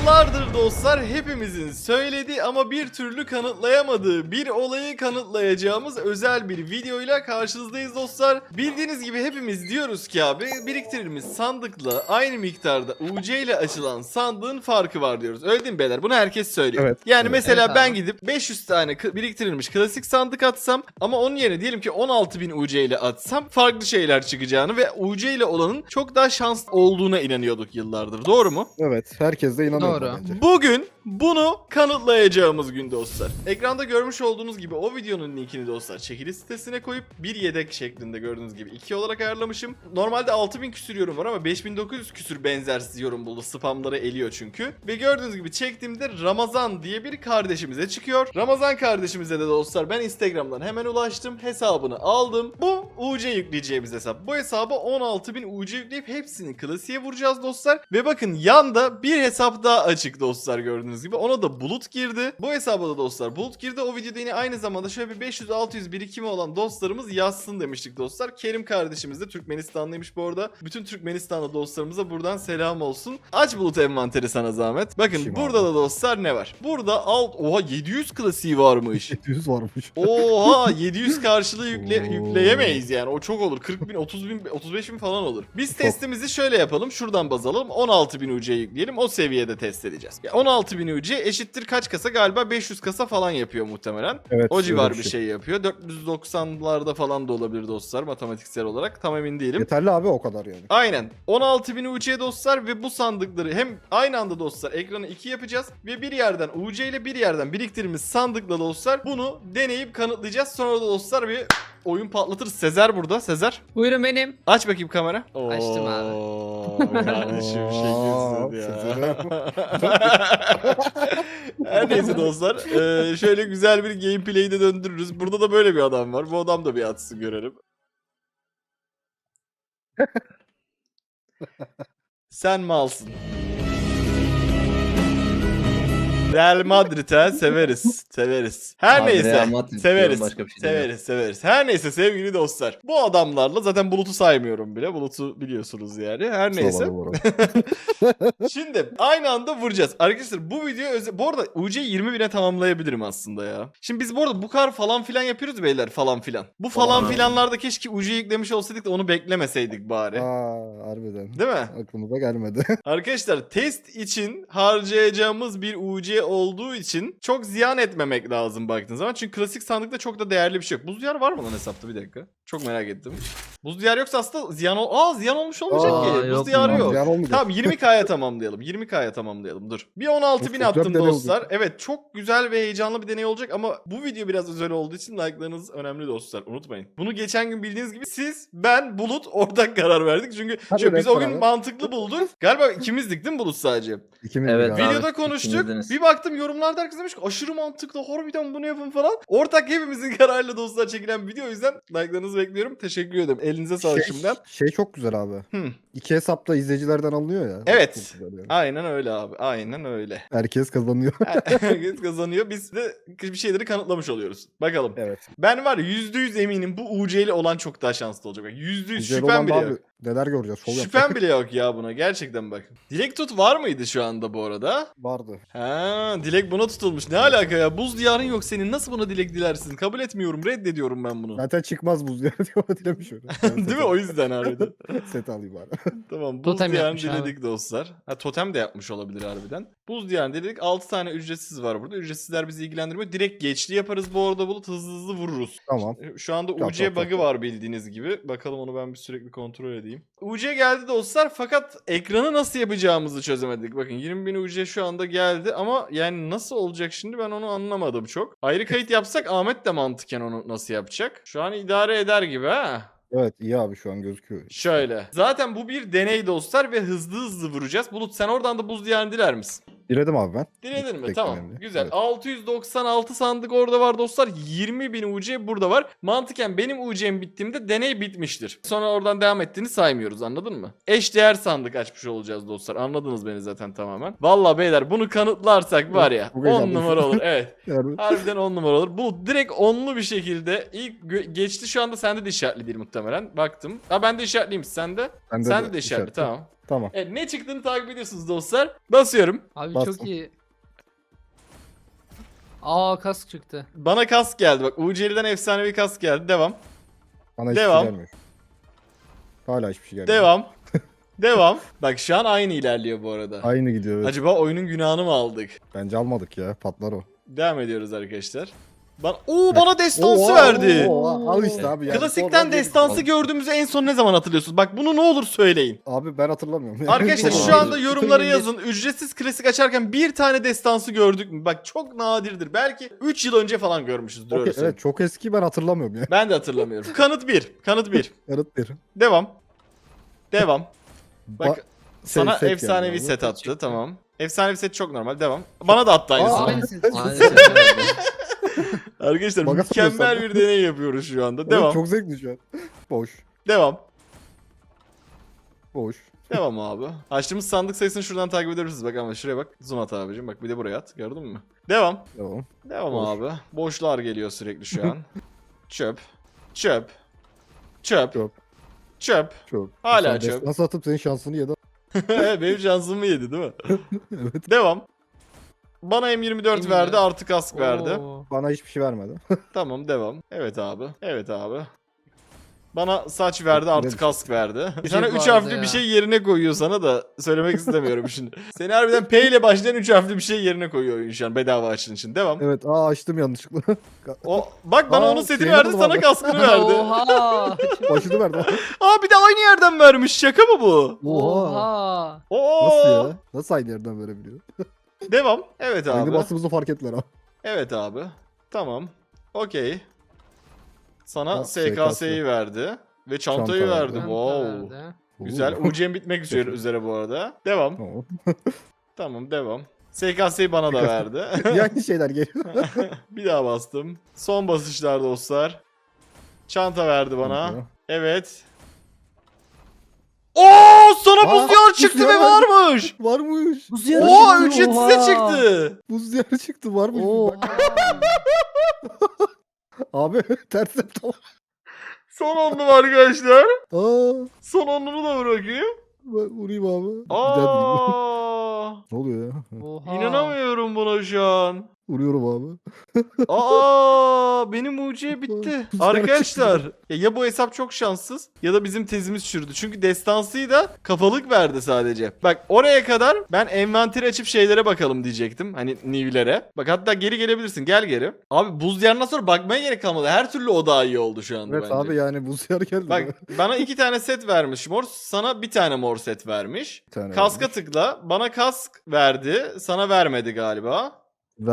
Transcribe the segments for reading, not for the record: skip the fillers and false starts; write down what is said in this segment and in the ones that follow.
Yıllardır dostlar hepimizin söylediği ama bir türlü kanıtlayamadığı bir olayı kanıtlayacağımız özel bir videoyla karşınızdayız dostlar. Bildiğiniz gibi hepimiz diyoruz ki abi biriktirdiğimiz sandıkla aynı miktarda UC ile açılan sandığın farkı var diyoruz. Öyle değil mi beyler? Bunu herkes söylüyor. Evet. Yani Evet. mesela Evet ben abi. gidip 500 tane biriktirilmiş klasik sandık atsam ama onun yerine diyelim ki 16.000 UC ile atsam farklı şeyler çıkacağını ve UC ile olanın çok daha şanslı olduğuna inanıyorduk yıllardır. Doğru mu? Evet. Herkes de inanıyor Doğru. bence. Bugün bunu kanıtlayacağımız gün dostlar. Ekranda görmüş olduğunuz gibi o videonun linkini dostlar çekiliş sitesine koyup bir yedek şeklinde gördüğünüz gibi 2 olarak ayarlamışım. Normalde 6000 küsür yorum var ama 5900 küsür benzersiz yorum buldu. Spamları eliyor çünkü. Ve gördüğünüz gibi çektiğimde Ramazan diye bir kardeşimize çıkıyor. Ramazan kardeşimize de dostlar ben Instagram'dan hemen ulaştım. Hesabını aldım. Bu UC yükleyeceğimiz hesap. Bu hesaba 16.000 UC yükleyip hepsini klasiğe vuracağız dostlar. Ve bakın yanda bir hesap daha açık dostlar gördüğünüz gibi. Ona da Bulut girdi. Bu hesaba da dostlar Bulut girdi. O videoda yine aynı zamanda şöyle bir 500-600 birikimi olan dostlarımız yazsın demiştik dostlar. Kerim kardeşimiz de Türkmenistanlıymış bu arada. Bütün Türkmenistanlı dostlarımıza buradan selam olsun. Aç Bulut envanteri sana zahmet. Bakın Şimdi burada abi. da dostlar ne var? Burada oha 700 klasiği varmış. 700 varmış. Oha 700 karşılığı Oo. yükleyemeyiz yani. O çok olur. 40 bin, 30 bin, 35 bin falan olur. Biz Çok. testimizi şöyle yapalım. Şuradan baz alalım. 16 bin UC yükleyelim. O seviyede test edeceğiz. Ya 16 bin UC eşittir kaç kasa? Galiba 500 kasa falan yapıyor muhtemelen. Evet. O civar öyle bir şey yapıyor. 490'larda falan da olabilir dostlar matematiksel olarak. Tam emin değilim. Yeterli abi o kadar yani. Aynen. 16.000 UC dostlar ve bu sandıkları hem aynı anda dostlar ekranı 2 yapacağız ve bir yerden UC ile bir yerden biriktirdiğimiz sandıkla dostlar bunu deneyip kanıtlayacağız. Sonra da dostlar bir oyun patlatırız. Sezer burada. Sezer. Buyurun benim. Aç bakayım kamera. Açtım abi. Oo, kardeşim Oo, şekilsiz ya. Her neyse dostlar. Şöyle güzel bir gameplay'i de döndürürüz. Burada da böyle bir adam var. Bu adam da bir atsın görelim. Sen malsın. Real Madrid'e severiz. Severiz. Her Abi neyse. Real Madrid Severiz. diyorum, başka bir şey demiyorum. Severiz. Severiz. Her neyse sevgili dostlar. Bu adamlarla zaten Bulut'u saymıyorum bile. Bulut'u biliyorsunuz yani. Her neyse. Sağ olun bu arada. Şimdi aynı anda vuracağız. Arkadaşlar bu video bu arada UC'yi 20.000'e tamamlayabilirim aslında ya. Şimdi biz bu arada bu kadar falan filan yapıyoruz beyler falan filan. Bu falan Falan. filanlarda keşke UC yüklemiş olsaydık da onu beklemeseydik bari. Aa, harbiden. Değil mi? Aklımıza gelmedi. Arkadaşlar test için harcayacağımız bir UC olduğu için çok ziyan etmemek lazım baktığınız zaman. Çünkü klasik sandıkta çok da değerli bir şey yok. Buz diyarı var mı lan hesapta bir dakika? Çok merak ettim. Buz diyarı yoksa aslında ziyan olmuş olmayacak Aa, ki. Buz yok diyarı mu? yok. Ziyan olmayacak. Tamam 20K'ya tamamlayalım. 20K'ya tamamlayalım. Dur. Bir 16.000 Çok güzel attım bir deney dostlar. olacak. Evet çok güzel ve heyecanlı bir deney olacak ama bu video biraz özel olduğu için like'larınız önemli dostlar. Unutmayın. Bunu geçen gün bildiğiniz gibi siz, ben, Bulut ortak karar verdik. Çünkü Hadi şöyle, biz hep o gün beraber. mantıklı bulduk. Galiba ikimizdik değil mi Bulut sadece? İkimiz Evet, abi. Abi, Videoda konuştuk. ikimizdiniz. Bir baktım yorumlarda herkes demiş ki aşırı mantıklı. Harbiden bunu yapın falan. Ortak hepimizin kararıyla dostlar çekilen video. O yüzden like'larınızı bekliyorum. Teşekkür ederim. Elinize sağlık şimdiden. Şey çok güzel abi. Hı. İki hesapta izleyicilerden alınıyor ya. Evet. Çok güzel yani. Aynen öyle abi. Aynen öyle. Herkes kazanıyor. Herkes kazanıyor. Biz de bir şeyleri kanıtlamış oluyoruz. Bakalım. Evet. Ben var ya %100 eminim bu UC'li olan çok daha şanslı olacak. Bak, %100 Güzel şüphem olan bile da yok. abi, neler göreceğiz. Şov Şüphem yapacak. bile yok ya buna. Gerçekten bak. Dilek tut var mıydı şu anda bu arada? Vardı. Ha, dilek buna tutulmuş. Ne alaka ya? Buz diyarın yok senin. Nasıl buna dilek dilersin? Kabul etmiyorum. Reddediyorum ben bunu. Zaten çıkmış buz diye dilemiş öyle. Değil mi? O yüzden harbiden. Set alayım abi. Tamam. Buz Totem diyarını yapmış abi. diledik dostlar. Ha, totem de yapmış olabilir harbiden. Buz diyarını diledik. 6 tane ücretsiz var burada. Ücretsizler bizi ilgilendirmiyor. Direkt geçli yaparız bu arada Bulut. Hızlı hızlı vururuz. Tamam. Şu anda Çok, UC çok, bug'ı çok. var bildiğiniz gibi. Bakalım onu ben bir sürekli kontrol edeyim. UC geldi dostlar fakat ekranı nasıl yapacağımızı çözemedik. Bakın 20.000 UC şu anda geldi ama yani nasıl olacak şimdi ben onu anlamadım çok. Ayrı kayıt yapsak Ahmet de mantıken onu nasıl yapacak? Şu an idare eder gibi ha. Evet iyi abi şu an gözüküyor. Şöyle. Zaten bu bir deney dostlar ve hızlı hızlı vuracağız. Bulut sen oradan da buz diyarını diler misin? Diledim abi ben. Diledin mi? Tek Tamam. önemli. Güzel. Evet. 696 sandık orada var dostlar. 20.000 UC burada var. Mantıken benim UC'm bittiğimde deney bitmiştir. Sonra oradan devam ettiğini saymıyoruz anladın mı? Eşdeğer sandık açmış olacağız dostlar. Anladınız beni zaten tamamen. Vallahi beyler bunu kanıtlarsak var ya Çok 10 heyecanlıyım. numara olur. Evet. Yani Harbiden 10 numara olur. Bu direkt onlu bir şekilde ilk geçti şu anda sende de işaretli değil muhtemelen. Baktım. Ha ben de işaretliyim sende. bende Sende de işaretli işaretli. tamam. Tamam. Evet, ne çıktığını takip ediyorsunuz dostlar. Basıyorum. Abi Bastım. çok iyi. Aa kask çıktı. Bana kask geldi bak. UC'den efsanevi kask geldi. Devam. Bana hiçbir Devam. şey gelmiyor. Hala hiçbir şey gelmiyor. Devam. Devam. Bak şu an aynı ilerliyor bu arada. Aynı gidiyor evet. Acaba oyunun günahını mı aldık? Bence almadık ya. Patlar o. Devam ediyoruz arkadaşlar. bana destansı Oo, verdi. Al işte abi yani. Klasikten Sonradan destansı geldik. gördüğümüzü en son ne zaman hatırlıyorsunuz? Bak bunu ne olur söyleyin. Abi ben hatırlamıyorum. Arkadaşlar Çok şu ağır. anda yorumlara yazın. Ücretsiz klasik açarken bir tane destansı gördük mü? Bak çok nadirdir. Belki 3 yıl önce falan görmüşüzdür öyle Evet söyleyeyim. çok eski ben hatırlamıyorum ya. Ben de hatırlamıyorum. Kanıt 1. Kanıt 1. Yarıt bir. Devam. Devam. Bak Ba- sana set efsanevi geldi abi. set attı. Çıktı. Tamam. Efsanevi set çok normal. Devam. Bana da attı aynısını. Aynısı. Arkadaşlar Baga mükemmel sokuyorsan. bir deney yapıyoruz şu anda. Evet, Devam. çok zevkli şu an. Boş. Devam. Boş. Devam abi. Açtığımız sandık sayısını şuradan takip edebilirsiniz. Bak ama şuraya bak. Zoom at abicim. Bak bir de buraya at. Gördün mü? Devam. Tamam. Devam Boş. abi. Boşlar geliyor sürekli şu an. Çöp. Çöp. Çöp. Çöp. Çöp. Çok. Hala Sen çöp. destans atıp senin şansını yedi. Benim şansımı yedi değil mi? Evet. Devam. Bana M24 verdi artı kask verdi. Oo. Bana hiçbir şey vermedi. Tamam devam. Evet abi. Evet abi. Bana saç verdi artı Güzel. kask verdi. Bir Sana şey 3 vardı harfli ya. bir şey yerine koyuyor sana da söylemek istemiyorum şimdi. Seni harbiden P ile başlayan 3 harfli bir şey yerine koyuyor oyun şu an bedava açtığın için. Devam. Evet açtım yanlışlıkla. O bak bana Aa, onun setini şeyini verdi buldum sana abi. kaskını verdi. Oha. Başını verdi. Aa bir de aynı yerden vermiş. Şaka mı bu? Oha. Oo. Nasıl ya? Nasıl aynı yerden verebiliyor? Devam. Evet Aynı abi. bastığımızı fark ettiler abi. Evet abi. Tamam. Okey. Sana Ha, SKS'yi verdi. Ve çantayı Çanta verdi. verdi. Wow. Nerede? Güzel. UC'm bitmek üzere bu arada. Devam. Tamam. Tamam devam. SKS'yi bana da verdi. Yani şeyler geliyor. Bir daha bastım. Son basışlar dostlar. Çanta verdi bana. Evet. Oo sana buz Aa, diyar çıktı buz ve diyarı varmış. Varmış. Buz diyarı Oo çıktı, ücretsize oha. çıktı. Buz diyarı çıktı varmış. Oha. Bak. Abi ters yaptım. Son onlu arkadaşlar. Aa, Son onlumu da bırakayım. vurayım abi. Bir daha vurayım. Aa, Ne oluyor ya? Oha. inanamıyorum buna şu an. Vuruyorum abi. Benim mucize bitti. Güzel Arkadaşlar ya bu hesap çok şanssız ya da bizim tezimiz çürüdü. Çünkü destansıyı da kafalık verdi sadece. Bak oraya kadar ben envanteri açıp şeylere bakalım diyecektim. Hani new'lere. Bak hatta geri gelebilirsin. Gel geri. Abi buz diyarından sonra bakmaya gerek kalmadı. Her türlü o daha iyi oldu şu anda Evet bence. abi yani buz diyarı geldi. Bak bana 2 tane set vermiş mor. Sana bir tane mor set vermiş. Bir tane Kaska vermiş. tıkla. Bana kask verdi. Sana vermedi galiba.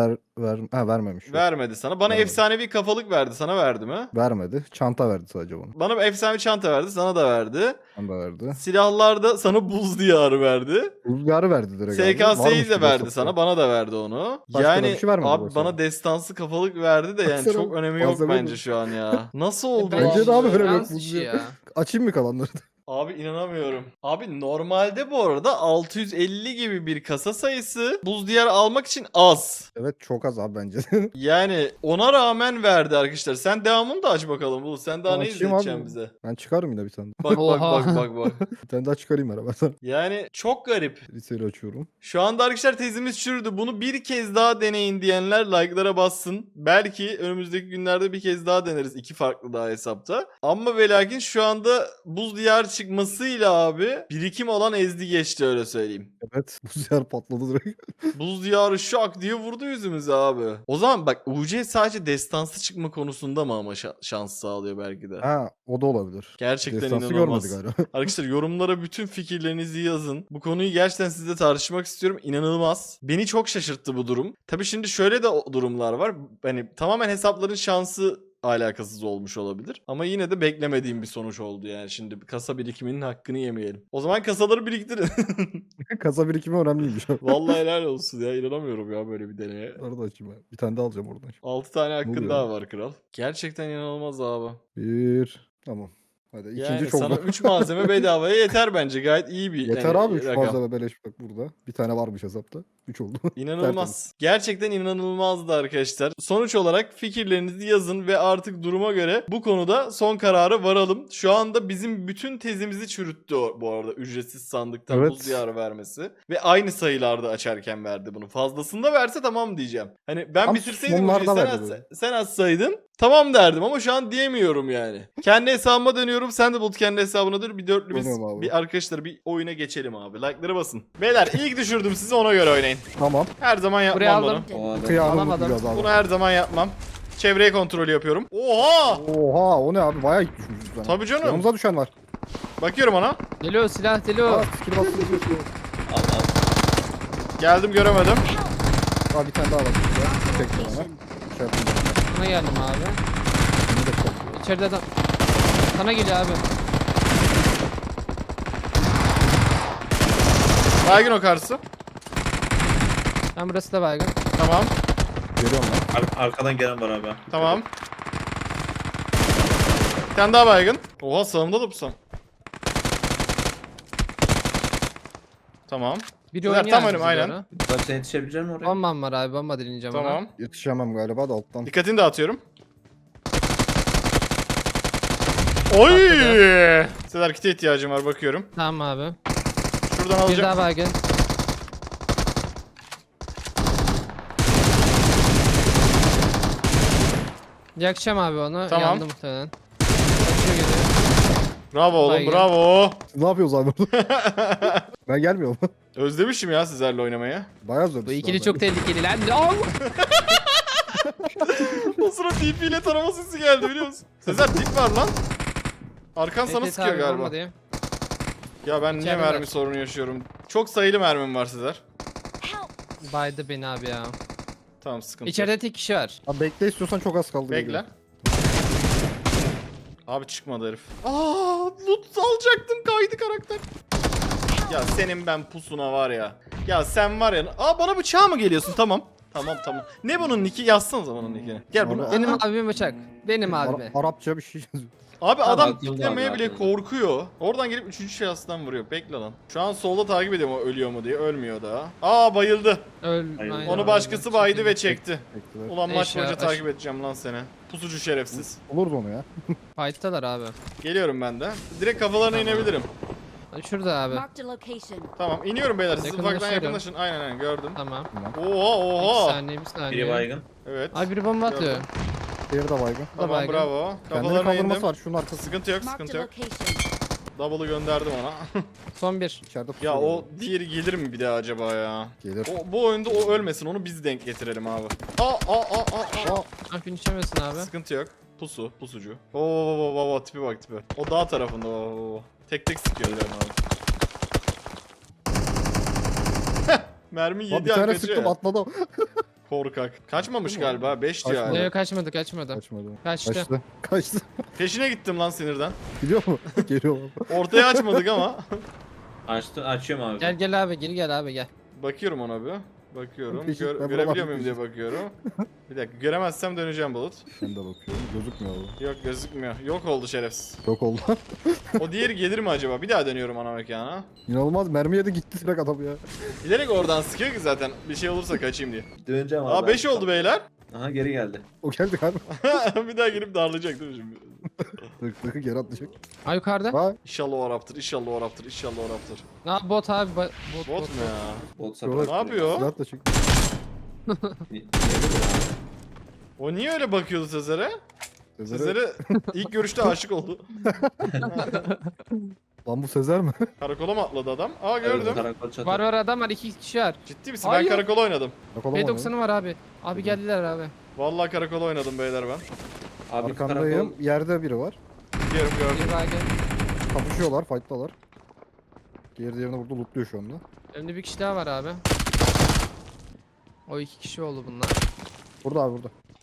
Vermemiş. Vermedi sana. Bana Vermedi. efsanevi kafalık verdi. Sana verdi mi? Vermedi. Çanta verdi sadece bana. Bana bir efsanevi çanta verdi. Sana da verdi. Çanta verdi. Silahlarda sana buz diyarı verdi. Buz diyarı verdi direkt abi. SKS'yi Varmış de gibi verdi hesapta. sana. Bana da verdi onu. Başka da yani bir şey vermedi bu abi hesaba. bana destansı kafalık verdi de yani Baksana, çok önemi yok malzeme bence bu. şu an ya. Nasıl oldu? Bence de abi öyle Şans yok, buz işi diyarı. ya. Açayım mı kalanları? Abi inanamıyorum. Abi normalde bu arada 650 gibi bir kasa sayısı buz diyarı almak için az. Evet çok az abi bence. Yani ona rağmen verdi arkadaşlar. Sen devamını da aç bakalım. Bu sen daha ne Açayım abi. izleteceksin bize? Ben çıkarım yine bir tane. Bak bak Oha. bak bak bak. Bir tane daha çıkarayım beraber. Yani çok garip. Liseyi açıyorum. Şu anda arkadaşlar tezimiz çürüdü. Bunu bir kez daha deneyin diyenler like'lara bassın. Belki önümüzdeki günlerde bir kez daha deneriz. 2 farklı daha hesapta. Ama ve lakin şu anda buz diyar çıkmasıyla abi birikim olan ezdi geçti öyle söyleyeyim. Evet. Buz diyarı patladı direkt. Buz diyarı şak diye vurdu yüzümüze abi. O zaman bak UC sadece destansı çıkma konusunda mı ama şans sağlıyor belki de. Ha o da olabilir. Gerçekten Destansı inanılmaz. görmedik hala. Arkadaşlar yorumlara bütün fikirlerinizi yazın. Bu konuyu gerçekten sizle tartışmak istiyorum. İnanılmaz. Beni çok şaşırttı bu durum. Tabii şimdi şöyle de durumlar var. Hani tamamen hesapların şansı alakasız olmuş olabilir. Ama yine de beklemediğim bir sonuç oldu yani. Şimdi kasa birikiminin hakkını yemeyelim. O zaman kasaları biriktirin. Kasa birikimi önemliymiş. Vallahi helal olsun ya. İnanamıyorum ya böyle bir deneye. Arada açayım ben. Bir tane daha alacağım oradan. 6 tane hakkın oluyor? daha var kral. Gerçekten inanılmaz abi. Bir. Tamam. Hadi Yani ikinci çok sana zor. 3 malzeme bedavaya yeter bence. Gayet iyi bir Yeter yani abi 3 rakam. malzeme beleş bak burada. Bir tane varmış hesapta. 3 oldu. Tertemiz. İnanılmaz. Gerçekten inanılmazdı arkadaşlar. Sonuç olarak fikirlerinizi yazın ve artık duruma göre bu konuda son karara varalım. Şu anda bizim bütün tezimizi çürüttü bu arada ücretsiz sandıktan Evet. buz diyarı vermesi. Ve aynı sayılarda açarken verdi bunu. Fazlasında verse tamam diyeceğim. Hani ben Tam bitirseydim sonlarda sen, verdi böyle. sen açsaydın tamam derdim ama şu an diyemiyorum yani. Kendi hesabıma dönüyorum. Sen de Bulut kendi hesabına dön. Bir dörtlümüz Dönüyorum abi. bir arkadaşlar bir oyuna geçelim abi. Like'ları basın. Beyler ilk düşürdüm sizi ona göre oynayın. Tamam. Her zaman Buraya yapmam bunu. aldım. O adam. Kıyamını Alamadım. bulacağız abi. Bunu her zaman yapmam. Çevreye kontrolü yapıyorum. Oha! Oha o ne abi bayağı düşmüşüz sana. Tabii canım. Yanımıza düşen var. Bakıyorum ona. Geliyor silah geliyor. Aa skill bastırıyor. Al al. Geldim göremedim. Aa bir tane daha var. burada. Çektim ona. Şey yapayım. Sana geldim abi. Bunu da çektim. İçeride adam. Sana geliyor abi. Baygın o karşısı. Ben burası da baygın. Tamam. Geliyorum lan. Arkadan gelen var abi. Tamam. Bir tane daha baygın. Oha sağımda da pusan. Tamam. Biri Güzel, oynuyor tam abi önüm, bize aynen. doğru. Bak sen yetişebilecek misin oraya? Bombam var abi, bomba dilineceğim ona. Tamam. Yetişemem galiba da alttan. Dikkatini dağıtıyorum. Oy! Sezer kite ihtiyacım var bakıyorum. Tamam abi. Şuradan Bir alacağım. daha baygın. Yakacağım abi onu. Tamam. Yandı muhtemelen. Kaçıyor geliyor. Bravo oğlum Baygın. bravo. Ne yapıyoruz abi burada? Ben gelmiyorum. Özlemişim ya sizlerle oynamayı. Bayağı zor. Bu ikili çok tehlikeli lan. Al! O sıra TP ile tarama sesi geldi biliyor musun? Sezer dip var lan. Arkan sana Evet sıkıyor abi, galiba. bomba diyeyim. Ya ben niye İçeride mermi var. sorunu yaşıyorum? Çok sayılı mermim var Sezer. Baydı beni abi ya. Tamam sıkıntı yok. İçeride tek kişi var. Abi bekle istiyorsan çok az kaldı. Bekle. geliyor. Abi çıkmadı herif. Aa, loot alacaktım kaydı karakter. Ya senin ben pusuna var ya. Ya sen var ya. Aa bana bıçağa mı geliyorsun? Tamam. Tamam. Ne bunun nicki? Yazsanıza bunun nickini. Gel bunu. Abi- Benim abim bıçak. Benim abime. Arapça bir şey yazıyor. Abi adam Aklımda kitlemeye abi, bile aklımda. korkuyor. Oradan gelip 3. şahıstan vuruyor. Bekle lan. Şu an solda takip ediyorum o ölüyor mu diye. Ölmüyor daha. Aa bayıldı. Aynen Onu abi. başkası baydı ve çekti. Bekle. Ulan maç Eşya, boyunca aş- takip edeceğim lan seni. Pusucu şerefsiz. Olurdu onu ya. Fight'talar abi. Geliyorum ben de. Direkt kafalarına Tamam. inebilirim. Şurada abi. Marked a location. Tamam iniyorum beyler. Siz ufaktan Yakınlaşıyorum. yakınlaşın. Aynen gördüm. Tamam. Oha Bir oha. saniye bir saniye. Biri baygın. Evet. Abi biri bomba atıyor. Gördüm. Diğeri de baygın. Tamam baygın. bravo. Kendini Kafalarına kaldırması indim. var şunun arkası. Sıkıntı yok Marked sıkıntı a yok. location. Double'ı gönderdim ona. Son bir. İçeride Ya pusuyor. o diğeri gelir mi bir daha acaba ya? Gelir. Bu oyunda o ölmesin onu biz denk getirelim abi. Aa. Ah finişemesin abi. Sıkıntı yok. Pusucu. Oo tipi bak tipi. O dağ tarafında oo. Tek sıkıyor yani abi. Mermi Lan yedi bir tane kaçıyor sıktım ya. atladı. Kaçmamış. Kaçmamış galiba. 5 diyor Kaçmadı. hala. Yok kaçmadı. Kaçmadı. Kaçtı. Kaçtı. Peşine gittim lan sinirden. Gidiyor mu? Geliyor abi. Ortaya açmadık ama. Açıyorum abi. Gel abi gel abi gel. Bakıyorum ona bir. Bakıyorum. Peşin- ben Görebiliyor buradan muyum diye bakıyorum. Bir dakika göremezsem döneceğim Bulut. Ben de bakıyorum. Gözükmüyor abi. Yok gözükmüyor. Yok oldu şerefsiz. Yok oldu. O diğeri gelir mi acaba? Bir daha dönüyorum ana mekana. İnanılmaz mermi yedi gitti direkt adam ya. Bilerek oradan sıkıyor ki zaten bir şey olursa kaçayım diye. Döneceğim abi. Aa 5 oldu beyler. Aha geri geldi. O geldi galiba. Bir daha gelip darlayacak değil mi şimdi? Tık geri atlayacak. Ha yukarıda. Ha İnşallah o Raptor, inşallah o Raptor, inşallah o Raptor. Ha bot abi. Bot mu ya? Bot Şöyle- sapı. Ne yapıyor? silah da çık. O niye öyle bakıyordu Sezer'e? Sezer'e. Sezer'e ilk görüşte aşık oldu. Lan bu Sezer mi? Karakola mı atladı adam? Aa gördüm. Karakol çatı. Var adam var, 2 kişi var. Ciddi misin? Hayır. Ben karakola oynadım. Yakalamadı. P90'ı var abi. Abi geldiler abi. Vallahi karakola oynadım beyler ben. Abi Arkandayım. karakol. Yerde biri var. Gördüm gördüm. Bir baygın. Kapışıyorlar, fight'talar. Diğerini burada lootluyor şu anda. Önümde bir kişi daha var abi. O 2 kişi oldu bunlar. Burada abi burada.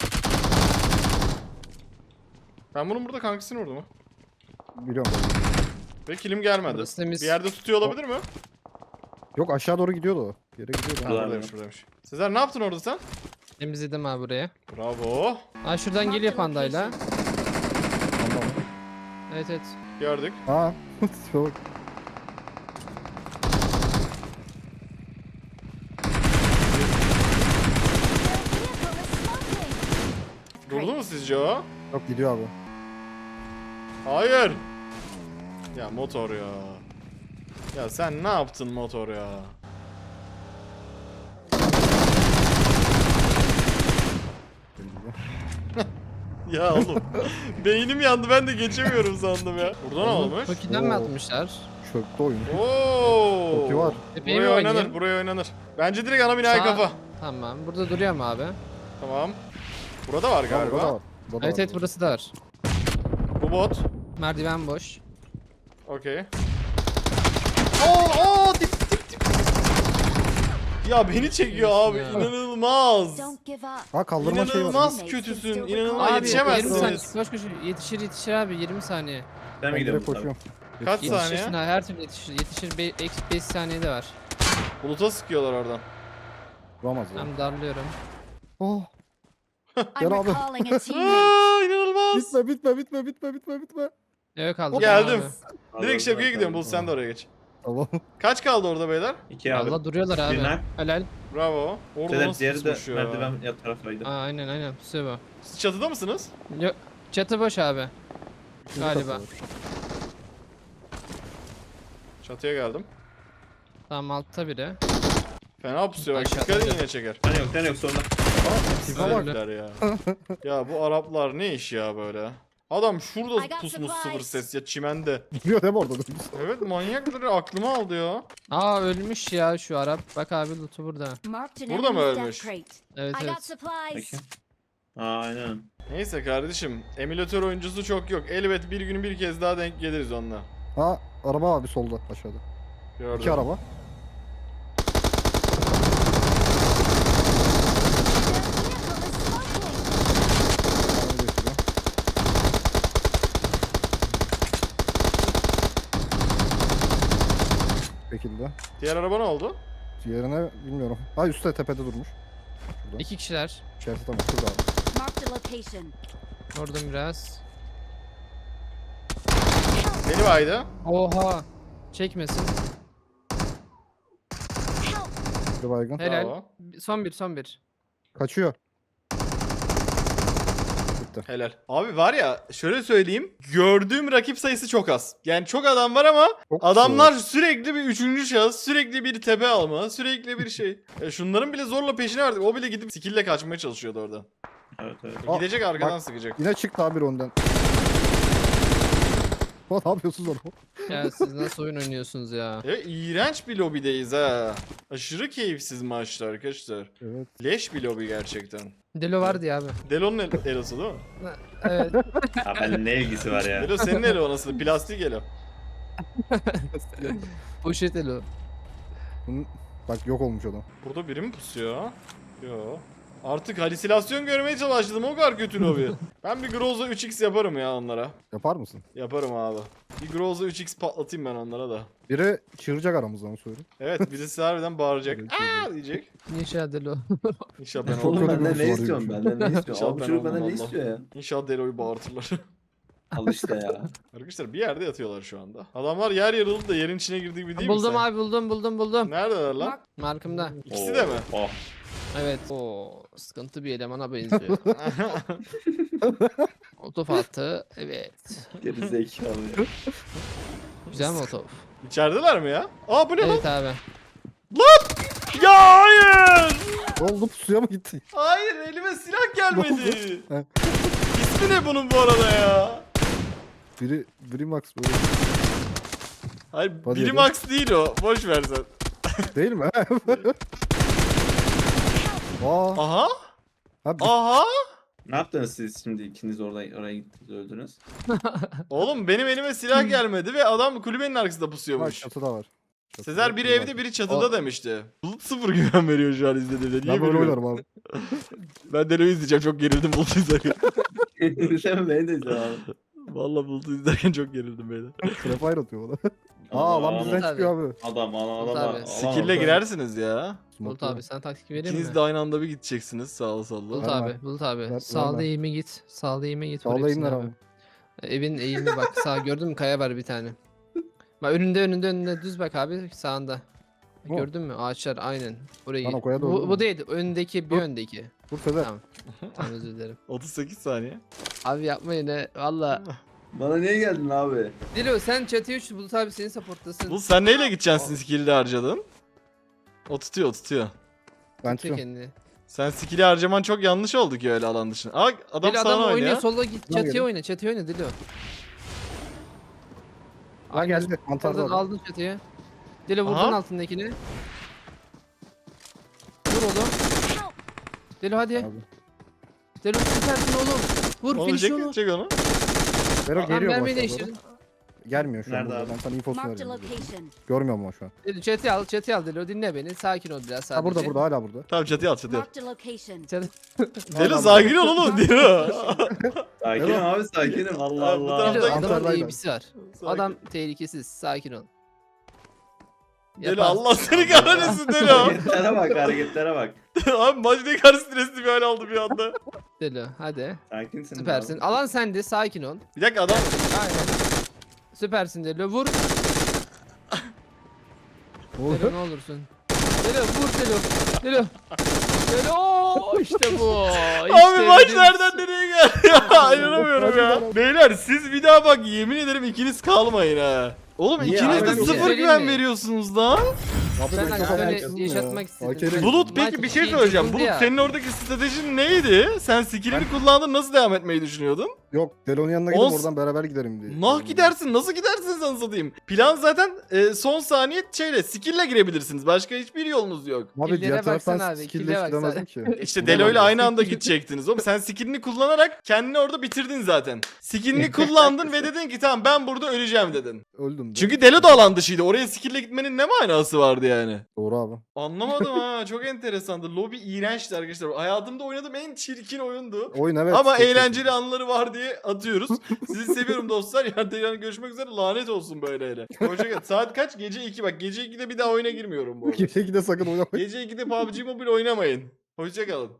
Ben bunun burada kankasını vurdum. Biliyorum. Ve kilim gelmedi. Burası temiz. Bir yerde tutuyor olabilir mi? Yok aşağı doğru gidiyordu o. Yere gidiyordu. Ha, Burada. buradaymış buradaymış. Sezer ne yaptın orada sen? Temizledim abi buraya. Bravo. Ha şuradan geliyor pandayla. Tamam. Evet evet. Gördük. Ha. Tipe bak. Durdu mu sizce o? Yok gidiyor abi. Hayır. Ya motor ya. Ya sen ne yaptın motor ya? Ya oğlum. Beynim yandı, ben de geçemiyorum sandım ya. Burada ne olmuş? Toki'den mi Oo. atmışlar? Çöktü oyun. Oo. Toki var. Tepeyi Buraya mi oynanır, oynayayım? buraya oynanır. Bence direkt ana binaya Sağ- kafa. Tamam. Burada duruyor mu abi? Tamam. Burada var Burada da galiba. var. Burada da Evet var. evet burası da var. Bu bot. Merdiven boş. Okey. Oo, dip dip dip. Ya beni çekiyor abi. Ya. İnanılmaz. Ha kaldırma şey var. İnanılmaz kötüsün. İnanılmaz Abi 20 yetişemezsiniz. saniye. Koş koş. Yetişir abi 20 saniye. Ben mi Ben gidiyorum? direkt koşuyorum. Kaç Yetişirsin saniye? ha, her türlü yetişir. Yetişir 5 saniyede var. Buluta sıkıyorlar oradan. Vuramaz ya. Ben darlıyorum. Oh. I'm Gel abi. recalling a teammate. Aa, inanılmaz. Bitme. Evet kaldı. Geldim. Abi. Direkt şapkaya gidiyorum. Bulut sen de oraya geç. Tamam. Kaç kaldı orada beyler? 2 abi. Allah duruyorlar abi. Birine. Helal. Bravo. Orada Sedat nasıl diğeri de pusmuş ya? merdiven yan taraftaydı. Aa, aynen. Pusuyor Siz çatıda mısınız? bu. Yok. Çatı boş abi. Galiba. Çatıya geldim. Tamam altta biri. Fena pusuyor. Bak, Aşağıda dikkat edin hocam. yine çeker. Sen yok sonunda. Tipe bak. Sinirler ya. Ya bu Araplar ne iş ya böyle? Adam şurada I got pusmuş supplies. sıfır ses ya çimende. Duruyor değil mi orada? Evet manyakları aklımı aldı ya. Aa ölmüş ya şu Arap. Bak abi loot'u burada. Marked an Burada mı enemy's ölmüş? death crate. Evet I got evet. supplies. Peki. Aynen. Neyse kardeşim. Emülatör oyuncusu çok yok. Elbet bir gün bir kez daha denk geliriz onunla. Ha araba abi solda aşağıda. Gördüm. 2 araba. Their vehicle is smoking. Araba geçiyor. Şekilde. Diğer araba ne oldu? Diğerine bilmiyorum. Ha üstte tepede durmuş. Şurada. 2 kişiler. İçerisi tamam. Şurada abi. Marked a location. Vurdum biraz. Beni baydı. Oha. Çekmesin. Help. Bir baygın. Helal. Bravo. Son bir. Kaçıyor. Bitti. Helal. Abi var ya şöyle söyleyeyim. Gördüğüm rakip sayısı çok az. Yani çok adam var ama Çok adamlar sürekli bir üçüncü şahıs, sürekli bir tepe alma, sürekli bir şey. Şunların bile zorla peşine verdik. O bile gidip skill'le kaçmaya çalışıyordu oradan. Evet evet. Aa, Gidecek arkadan bak. sıkacak. Yine çıktı abi önden. Ne yapıyorsunuz orada? Ya siz nasıl oyun oynuyorsunuz ya? İğrenç bir lobideyiz ha. Aşırı keyifsiz maçlar arkadaşlar. Evet. Leş bir lobi gerçekten. Delo vardı ya abi. Delo'nun elosu değil mi? Evet. Ha benimle ne ilgisi var ya? Delo senin elo nasıl? Plastik elo. Poşet Elo. Bak yok olmuş adam. Burada biri mi pusuyor? Yo. Artık halüsinasyon görmeye başladım, o kadar kötü lobi. Ben bir Groza 3x yaparım ya onlara. Yapar mısın? Yaparım abi. Bir Groza 3x patlatayım ben onlara da. Biri çığıracak aramızdan onu söyleyeyim. Evet, birisi harbiden bağıracak. Evet, Aa diyecek. Ninja Delo. İnşallah ben Çok olmam. kötü Oğlum benden bir ne soru istiyorsun? soruymuş. Benden ne istiyorsun? İnşallah Abi ben bu çocuk olmam benden ne Allah. istiyor ya? İnşallah Delo'yu bağırtırlar. Al işte ya. Arkadaşlar bir yerde yatıyorlar şu anda. Adamlar yer yarıldı da yerin içine girdiği gibi değil mi Buldum sen? abi buldum. Neredeler lan? Markımda. İkisi de mi? Oh. Evet. Oo, sıkıntı bir elemana benziyor. Otof attı. Evet. Geri zekalı. Güzel mi otof? İçerideler mi ya? Aa bu ne lan? Evet abi. Ya hayır! Ne oldu pusuya mı gitti? Hayır, elime silah gelmedi. He. İsmi ne bunun bu arada ya? Biri Max böyle. Hayır, Hadi biri hadi. Max değil o. Boş ver sen. Değil mi? Aa, Aha! ha, Aha! Ne yaptınız siz şimdi ikiniz oraya gittiniz öldünüz? Oğlum benim elime silah gelmedi ve adam kulübenin arkasında bak pusuyormuş. çatıda var. Çatıda Sezer biri var. evde biri çatıda demişti. Bulut sıfır güven veriyor şu an izlediğimde. Niye Ben böyle bilmiyorum. oynarım abi. Ben Delo'yu izleyeceğim, çok gerildim Bulut'u izlerken. Sen beni de izle abi. Valla Bulut'u izlerken çok gerildim beyler. Trapfire atıyor bana. Aa lan bizden Tabii. çıkıyor abi. Adam. Tabii. Skill'le girersiniz ya. Bulut abi sen taktik vereyim İkiniz mi? de aynı anda bir gideceksiniz sağlı sollu. Bulut Ver, abi, ver. Bulut abi. Ver, Sağda ver. eğime git. Sağda eğime git. Sağda vur hepsini eğimler abi. Evin eğimine bak. Sağ gördün mü? Kaya var bir tane. Bak önünde düz bak abi sağında. Bu. Gördün mü? Ağaçlar aynen. Oraya Lan o git. kaya doğru Bu mu? değil. Öndeki bir Dur. öndeki. Dur Sezer. Tamam. Tamam özür dilerim. 38 saniye. Abi yapmayın he. Valla. Bana niye geldin abi? Dilo sen çatıya uç. Bulut abi senin supporttasın. Bu sen neyle gideceksin skill'de harcadın? O tutuyor. Ben Çek çıkıyorum. kendini. Sen skill'i harcaman çok yanlış oldu ki öyle alan dışında. Aa adam Dilo sana adam oynuyor. oynuyor. Sola git. Tamam, Çatıya gelin. oyna. Çatıya oyna Dilo. Ha geldi. Mantarda Aldın, adam. aldın çatıya. Dilo vurdun Aha. altındakini. Vur oğlum. Dilo hadi. Abi. Dilo süpersin oğlum. Vur Onu finish çek, onu. çek onu. Vero Lan geliyor bu mermiyi aşağı doğru. değiştirdin. Gelmiyor şu an. Nerede burada. abi? Ben sana infosunu Marked a veriyorum. location. Görmüyorum ama şu an. Dilo çatıya al Dilo dinle beni. Sakin ol biraz sadece. Ha burada hala burada. Tamam çatıya at çatıya at. Marked a location. Çatı- Deli sakin ol oğlum Deli. Sakinim abi sakinim. Allah Abi, bu Allah. tarafta- Dilo adamın Antalya'yla. eğimisi var. Adam tehlikesiz. Sakin ol. Deli Yapar. Allah seni kahretsin Deli. Hareketlere bak hareketlere bak. Abi maç ne kadar stresli bir hal aldı bir anda. Dilo hadi. Sakinsin. Süpersin. abi. Alan sende sakin ol. Bir dakika adam. Aynen. Süpersin Dilo vur. Oğlum. Dilo ne olursun. Dilo vur Dilo. Dilo. Dilo işte bu. Abi maç bizim- nereden nereye geldi ya? İnanamıyorum ya. Beyler siz bir daha bak yemin ederim ikiniz kalmayın ha. Oğlum Niye ikiniz abi? de Bir şey sıfır söyleyeyim güven mi? veriyorsunuz lan. Abi Ben ben hani çok öyle haklısın ya. yaşatmak istedim. AK'yle Bulut Maç peki bir şey şey söyleyeceğim. çekildi Bulut ya. senin oradaki stratejin neydi? Sen skillini kullandın nasıl devam etmeyi düşünüyordun? Yok Delon'un yanına gidip Os- oradan beraber giderim diye. Nah gidersin nasıl gidersin sen satayım. Plan zaten son saniye skill'le girebilirsiniz. Başka hiçbir yolunuz yok. Abi Killere diğer taraftan baksana abi, skill'le kill'e hiç gidemezdim ki. İşte Delo ile aynı anda gidecektiniz oğlum. Sen skillini kullanarak kendini orada bitirdin zaten. Skillini kullandın ve dedin ki tamam ben burada öleceğim dedin. Öldüm. de. Çünkü Delo da alan dışıydı. Oraya skill'le gitmenin ne manası vardı yani? Doğru abi. Anlamadım ha. Çok enteresandı. Lobby iğrençti arkadaşlar. Hayatımda oynadığım en çirkin oyundu. Oyun evet. Ama çok eğlenceli anları var diye atıyoruz. Sizi seviyorum dostlar. Yarın tekrar görüşmek üzere. Lanet olsun böyle hele. Hoşçakalın. Saat kaç? Gece 2. Bak gece 2'de bir daha oyuna girmiyorum bu arada. kötü. Gece 2'de sakın oynamayın. Gece 2'de PUBG Mobile oynamayın. Hoşçakalın.